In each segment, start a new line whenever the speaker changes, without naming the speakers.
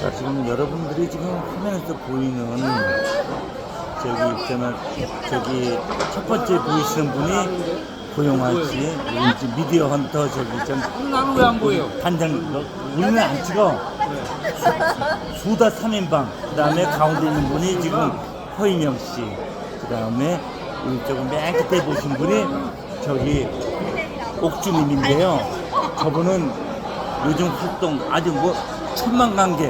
자, 지금 여러분들이 지금 화면에서 보이는 저기 있잖아, 저기 첫 번째 보이시는 분이 고영화 씨, 우리 지금 미디어 헌터 저기 있잖아.
나는 왜 안 보여?
단장, 우리는 안 찍어. 수다 3인방. 그 다음에 가운데 있는 분이 지금 허인영 씨. 그 다음에 우리 조금 맨 끝에 보신 분이 저기 옥주님인데요. 저분은 요즘 활동 아주 뭐 천만 관객에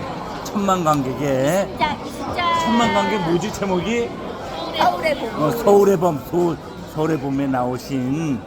천만 관객 뭐지 제목이? 서울의 봄. 서울의 봄에 나오신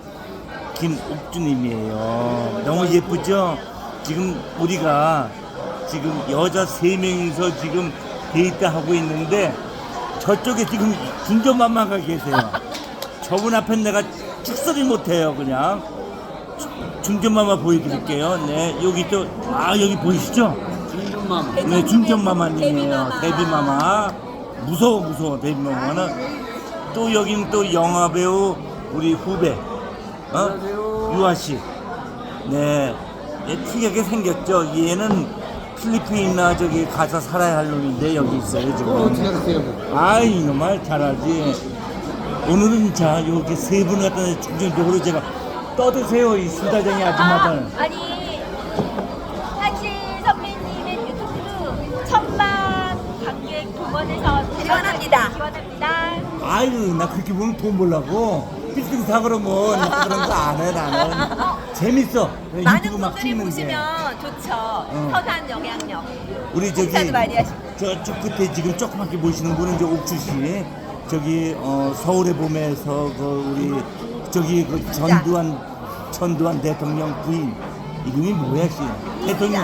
김옥주님이에요. 너무 예쁘죠? 지금 우리가 지금 여자 3명이서 지금 데이트하고 있는데 저쪽에 지금 중전마마가 계세요. 저분 앞에 내가 축소리 못해요. 그냥 중전마마 보여드릴게요. 네, 여기 또 여기 보이시죠?
중전마마.
네, 중전마마님이에요. 데뷔마마. 무서워 데뷔마마는. 또 여긴 또 영화배우 우리 후배 유아씨. 네, 특이하게 생겼죠. 얘는 필리핀이나 저기 가서 살아야 할 놈인데 여기 있어요 지금.
어떻게 하세요?
아이 정말 잘하지. 오늘은 자 이렇게 세 분 갖다 중점적으로 제가 떠드세요 이 수다쟁이 아줌마들.
아니 사실 선배님의 유튜브 천만 관객 동원해서 지원합니다.
아유 나 그렇게 보면 돈 벌라고 빌딩 사 그러면 나 그런 거 안 해 나는. 재밌어.
많은
유튜브 막
분들이
찍는 게.
보시면 좋죠. 선한 영향력.
우리 저기
인사도 많이 하시고.
저쪽 끝에 지금 조그맣게 보시는 분은 이제 옥주 씨. 저기 서울의 봄에서 그 우리 저기 그 전두환 대통령 부인 이름이 뭐야 씨? 대통령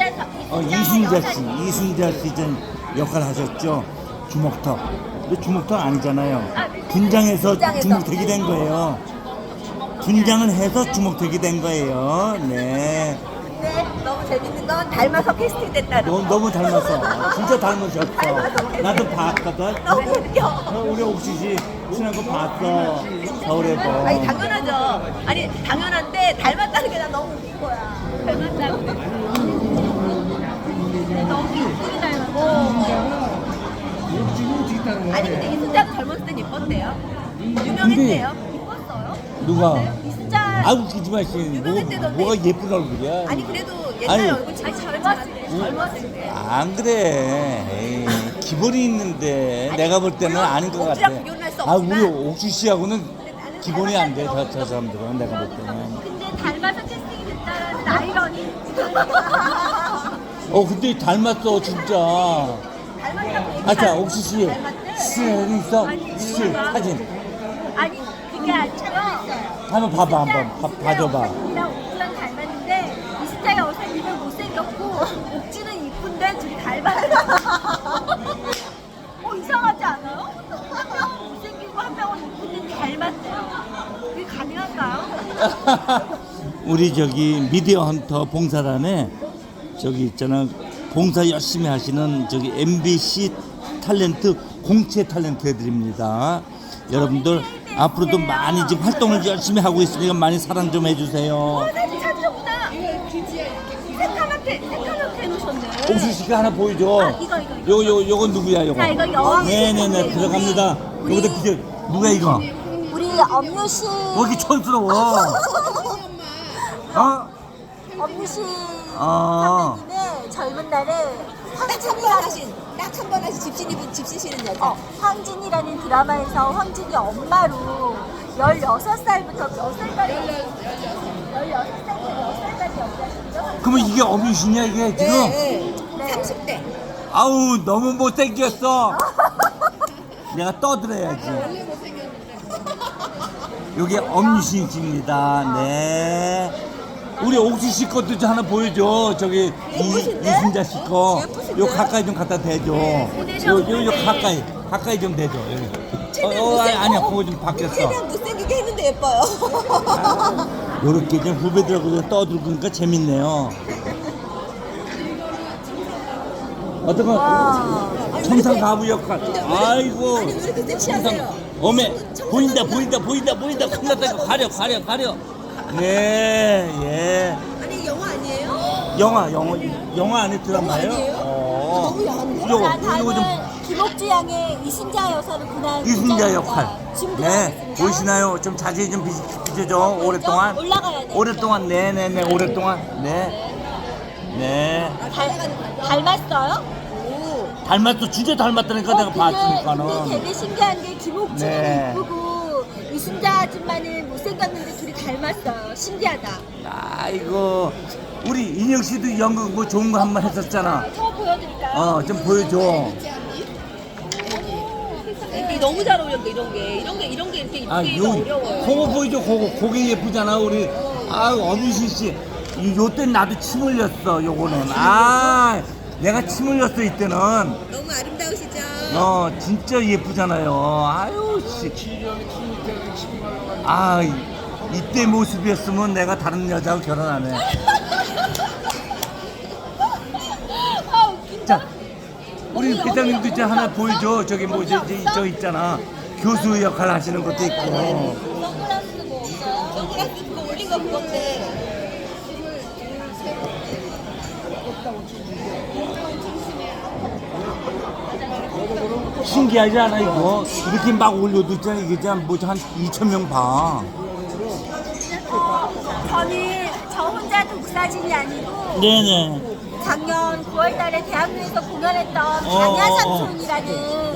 이순자 씨 전 역할 하셨죠. 주먹턱. 근데 주먹턱 아니잖아요. 분장해서 주먹턱이 된 거예요. 분장을 해서 주먹턱이 된 거예요. 네.
근데 너무 재밌는 건 닮아서 캐스팅 됐다는 거.
너무 닮았어. 진짜 닮으셨어. 나도 봤거든.
너무 웃겨.
우리 옥수 씨 친한 거 봤어. 서울에 뭐.
아니 당연하죠. 아니 당연한데 닮았다는 게 난 너무 웃긴 거야. 닮았다고. 근데 너무 이쁘게 닮았고. 아니 근데 이순자도 젊었을 땐 예뻤대요. 유명했대요. 이뻤어요.
누가?
이순자.
아 웃기지 마 씨. 뭐가 예쁜 얼굴이야.
아니 그래도 옛날
아니,
얼굴 진짜 젊었을 때.
안 그래. 에이, 기본이 있는데 내가 볼 때는 아닌 것 같아.
옥주랑 비교는 할수 없지만.
우리 옥수 씨하고는 기본이 안 돼. 저 사람들은 내가 볼 때는.
근데 닮아서 캐스팅이 됐다는 아이러니.
근데 닮았어 진짜.
닮았다고
자 옥수 씨
닮았대?
사진 있어?
아니,
씨 사진.
아니 그게 아니고
한번 봐봐 한번 봐줘봐.
이랑 옥주랑 닮았는데 이순자가 얼굴이 못생겼고 옥주는 이쁜데 둘이 닮았어. 이상하지 않아요? 한 명은 못생기고 한 명은 이쁜데 닮았대요. 그게 가능할까요?
우리 저기 미디어 헌터 봉사단에 저기 있잖아 봉사 열심히 하시는 저기 MBC 탤런트 공채 탤런트 애들입니다. 여러분들 앞으로도 많이 지금 활동을 열심히 하고 있으니까 많이 사랑 좀 해주세요.
사진 찾으셨구나. 새까맣게 해놓으셨네.
옥수 씨가 하나 보여줘.
이거.
요건 누구야 요거?
자, 이거 여왕.
네네네 들어갑니다. 여기다 비켜. 누가 이거?
우리 엄유 씨.
왜 이렇게 촌스러워?
엄유 씨.
어.
선배님의 젊은 날에 황진이라는 딱 한 번 하신 집신이는 여자. 황진이라는 드라마에서 황진이 엄마로 16살부터 몇 살까지 16살부터 몇 살까지 연기하셨죠?
그러면 이게 어뮤신이야 이게 지금?
네. 30대.
아우 너무 못생겼어. 내가 떠들어야지. 요게 엄유신입니다. 네. 우리 옥수 씨 것도 좀 하나 보여줘. 저기 이순자 씨 거. 요 가까이 좀 갖다 대줘. 요 가까이 좀 대줘. 아니야 그거 좀 바뀌었어.
최대한 못생기게 했는데 예뻐요.
요렇게 좀 후배들하고 떠들고 그러니까 재밌네요. 어떤 거? 청산 가부 역할. 아이고.
아니 왜 이렇게 섹시하세요?
어메 보인다. 큰일났다. 가려. 네, 예.
아니 영화 아니에요?
영화 안에 드라마예요?
영화 아니에요? 너무 야한데?
요거,
자, 다음은
요거 좀
김옥주 양의 이순자 여사를 군한
이순자 역할.
지금
네,
들어가겠습니다.
보이시나요? 좀 자세히 좀 비춰줘. 오랫동안.
올라가야 돼.
오랫동안, 네네네, 오랫동안. 네. 네.
닮았어요? 오.
닮았어. 진짜 닮았다니까 내가
근데
봤으니까는.
되게 신기한 게 김옥주는
네.
이쁘고 이순자 아줌마는 못생겼는데 둘이 닮았어요. 신기하다.
아이고. 우리 인형 씨도 연극 뭐 좋은 거 한 번 했었잖아.
저 보여드릴까요?
좀 보여줘.
이게 너무 잘 어울린다 이런 게 이렇게 이쁘게 어려워요.
그거 보이죠? 그게 예쁘잖아. 우리 엄유신 씨. 요때 나도 침 흘렸어. 요거는. 내가 침 흘렸어 이때는.
너무 아름다우시죠?
진짜 예쁘잖아요. 아유 씨. 이때 모습이었으면 내가 다른 여자하고 결혼 안 해. 자, 우리 회장님도 이제 하나 보여줘. 저기 저 있잖아. 교수 역할 하시는 것도 있고.
선글라스 뭐 없어요? 선글라스 그거 올린 거 그건데.
신기하지 않아 이거? 이렇게 막 올려도 있잖아. 이게 한 2,000명 봐.
저는 저 혼자 독사진이 아니고
네네.
작년 9월달에 대학로에서 공연했던 반야삼촌이라는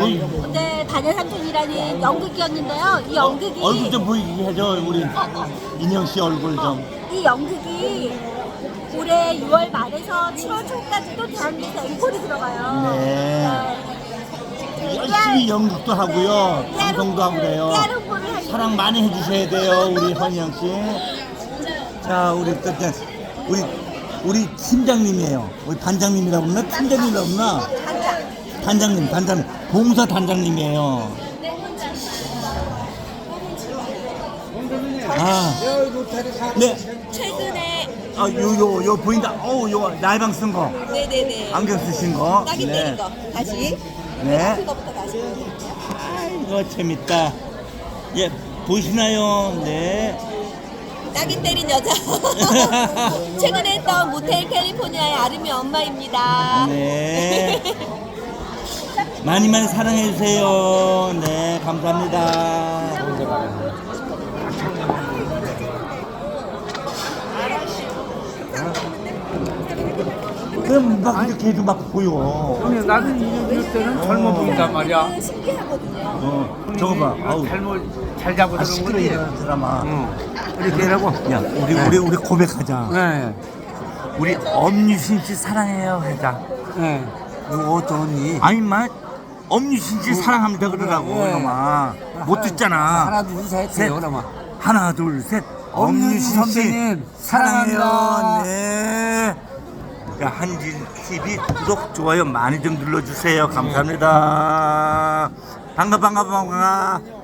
반야삼촌이라는 연극이었는데요. 이 연극이
얼굴 좀 보이게 해줘. 우리 인형 씨 얼굴 좀.
이 연극이 올해 6월 말에서 7월 초까지도 대학로에서 앵콜이 들어가요.
네. 열심히 연극도 하고요. 방송도 하고 그래요. 사랑 많이 해주셔야 돼요, 우리 헌영 씨. 자, 우리 팀장님이에요. 우리 단장님이라고 그러나? 팀장님이라고 그러나? 단장님. 봉사 단장님이에요. 네.
최근에
요 보인다. 요 날방 쓴 거.
네네네.
안경 쓰신 거.
딱이 때린 거. 다시.
네.
그거부터 다시.
이거 재밌다. 예, 보시나요? 네.
딱이 때린 여자. 최근에 했던 모텔 캘리포니아의 아름이 엄마입니다.
네. 많이 사랑해주세요. 네, 감사합니다. 그럼 막 이렇게 해도 막 보여.
근데 나는 이럴 때는 젊어 보인단 말이야.
신기하거든요.
저거 봐.
잘 잡고
시끄러 이런 드라마.
이렇게 하라고.
야, 우리 고백하자.
네.
우리 엄유신 씨 사랑해요 하자.
네.
너 어쩌니? 아니 마 엄유신 씨 사랑합니다 그러라고
네.
이놈아. 못 듣잖아.
하나 둘 셋.
셋.
그러면.
하나 둘 셋.
엄유신
엄유신 씨
선배님,
사랑해요.
사랑합니다.
네. 야, 한진 TV 구독 좋아요 많이 좀 눌러주세요. 감사합니다. 반가.